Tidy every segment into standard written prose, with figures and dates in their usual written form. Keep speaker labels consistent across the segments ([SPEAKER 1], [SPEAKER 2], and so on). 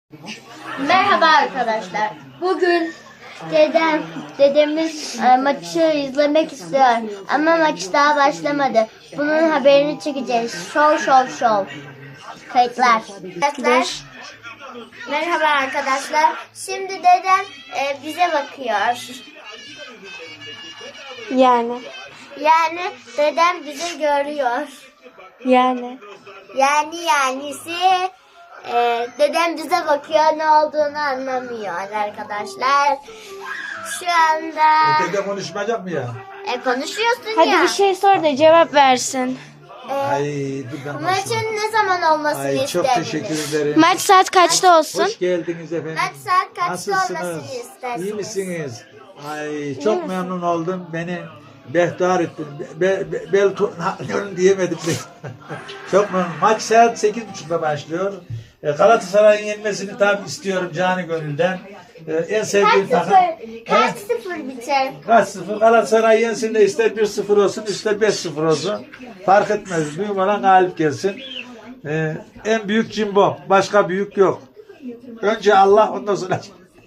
[SPEAKER 1] Merhaba arkadaşlar. Bugün dedemiz maçı izlemek istiyor. Ama maç daha başlamadı. Bunun haberini çekeceğiz. Şov. Kayıtlar. Arkadaşlar, merhaba arkadaşlar. Şimdi dedem bize bakıyor.
[SPEAKER 2] Yani
[SPEAKER 1] Dedem bizi görüyor. Yanisi dedem bize bakıyor, ne olduğunu anlamıyor arkadaşlar. Şu anda
[SPEAKER 3] Dede konuşmayacak mı ya?
[SPEAKER 1] konuşuyorsun
[SPEAKER 2] hadi
[SPEAKER 1] ya.
[SPEAKER 2] bir şey sor da cevap versin.
[SPEAKER 3] Ay dur ben
[SPEAKER 1] Maçın
[SPEAKER 3] konuşayım.
[SPEAKER 1] ne zaman olmasını
[SPEAKER 3] Ay çok
[SPEAKER 1] isterdiniz?
[SPEAKER 3] teşekkür ederim.
[SPEAKER 2] Maç saat kaçta olsun?
[SPEAKER 3] Hoş geldiniz efendim.
[SPEAKER 1] Maç saat kaçta
[SPEAKER 3] Nasılsınız?
[SPEAKER 1] olmasını istersiniz?
[SPEAKER 3] İyi misiniz? Ay çok memnun oldum. Beni behdar ettin. Diyemedim. Çok memnun. Maç saat 8.30'da başlıyor. Galatasaray'ın yenmesini tam istiyorum canı gönülden. En sevdiğim takım.
[SPEAKER 1] Kaç sıfır biter?
[SPEAKER 3] Kaç sıfır? Galatasaray yensin de ister 1-0 olsun ister 5-0 olsun. Fark etmez. Büyük olan galip gelsin. En büyük Cimbom. Başka büyük yok. Önce Allah, ondan sonra.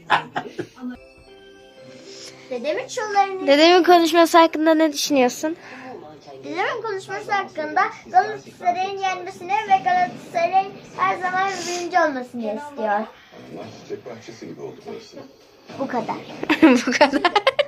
[SPEAKER 1] Dedemin şovlarını
[SPEAKER 2] Dedemin konuşması hakkında ne düşünüyorsun?
[SPEAKER 1] Dedemin konuşması hakkında Galatasaray'ın yenmesini ve Galatasaray'ın her zaman birinci olmasını istiyor. Bu kadar.
[SPEAKER 2] Bu kadar.